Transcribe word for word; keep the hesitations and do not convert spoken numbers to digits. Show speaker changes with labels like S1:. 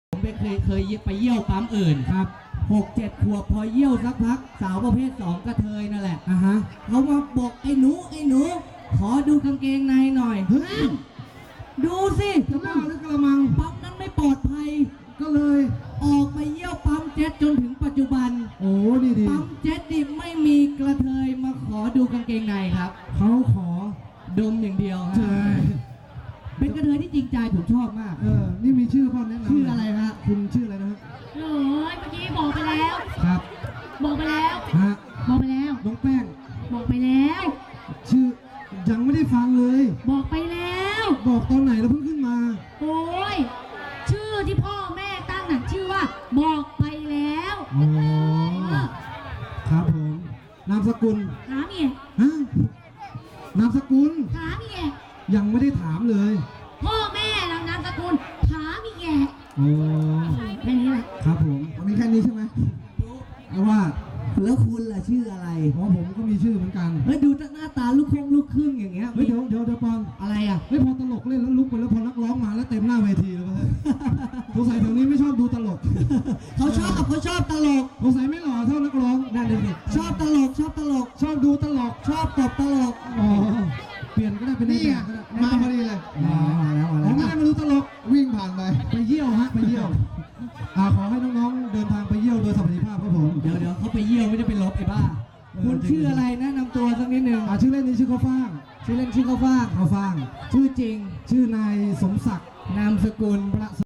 S1: ผมไปเคยเคยไปเยี่ยวปั๊มอื่นครับหกเจ็ดขวบพอเยี่ยวสักพักสาวประเภทสองกระเทยนั่นแหละอ่ะฮะเขามาบอกไอ้หนูไอ้หนูขอดูกางเกงในหน่อยดูสิจะบ้าหรือกระมังปั๊มนั้นไม่ปลอดภัยก็เลยออกไปเยี่ยวปั๊มเจ็ตจนถึงปัจจุบันโอ้ดีดีปั๊มเจ็ตดิไม่มีกระเทยมาขอดูกางเกงในครับเขาขอดมอย่างเดียวใช่เป็นกระเทยที่จริงใจผมชอบมากเออนี่มีชื่อพ่อแนะนำชื่ออะไรฮะคุณชื่ออะไรนะฮะ
S2: โอ้ยเมื่อกี้บอกไปแล้ว
S1: ครับ
S2: บอกไปแล้ว
S1: ฮะ
S2: บอกไปแล้ว
S1: น้องแป้ง
S2: บอกไปแล้ว
S1: ชื่อยังไม่ได้ฟังเลย
S2: บอกไปแล้ว
S1: บอกตอนไหนแล้วเพิ่งขึ้นมา
S2: โอ้ยชื่อที่พ่อแม่ตั้งน่ะชื่อว่าบอกไปแล้ว
S1: อ๋อครับผมนามสกุล
S2: ถามอีก
S1: ฮะนามสกุล
S2: ถามอีก
S1: ยังไม่ได้ถามเลย
S2: พ่อแม่เรานามสกุลถามอีกแก
S1: โอ้
S2: แค่นี้แหละ
S1: ครับผมมีแค่นี้ใช่ไหมเอาว่าแล้วคุณล่ะชื่ออะไรอ๋อผมก็มีชื่อเหมือนกันเฮ้ยดูหน้าตาลูกคงลูกครึ่งอย่างเงี้ยเฮ้ยเดี๋ยวเดี๋ยวเดี๋ยวปอนอะไรอ่ะไม่พอตลกเล่นแล้วลุกไปแล้วพอนักร้องมาแล้วเต็มหน้าเวทีเลยสงสัยแถวนี้ไม่ชอบดูตลกเขาชอบเขาชอบตลกสงสัยไม่หล่อเท่านักร้องนั่นเลยชอบตลกชอบตลกชอบดูตลกชอบตบตลกอ๋อเปลี่ยนก็ได้เป็นนี่อ่ะมาพอดีเลยมาแล้วมาแล้วไม่ได้มาดูตลกวิ่งผ่านไปไปเยี่ยวฮะไปเยี่ยวอ่าขอให้น้องๆเดินทางไปเยี่ยวโดยสวัสดิภาพครับผมเดี๋ยวเดี๋ยวเขาไปเยี่ยวไม่ได้ไปลบไอ้บ้าคุณชื่ออะไรแนะนำตัวสักนิดหนึ่งอ่าชื่อเล่นนี้ชื่อข้าวฟ่างชื่อเล่นชื่อข้าวฟ่างข้าวฟ่างชื่อจริงชื่อนายสมศักดิ์นามสกุลประ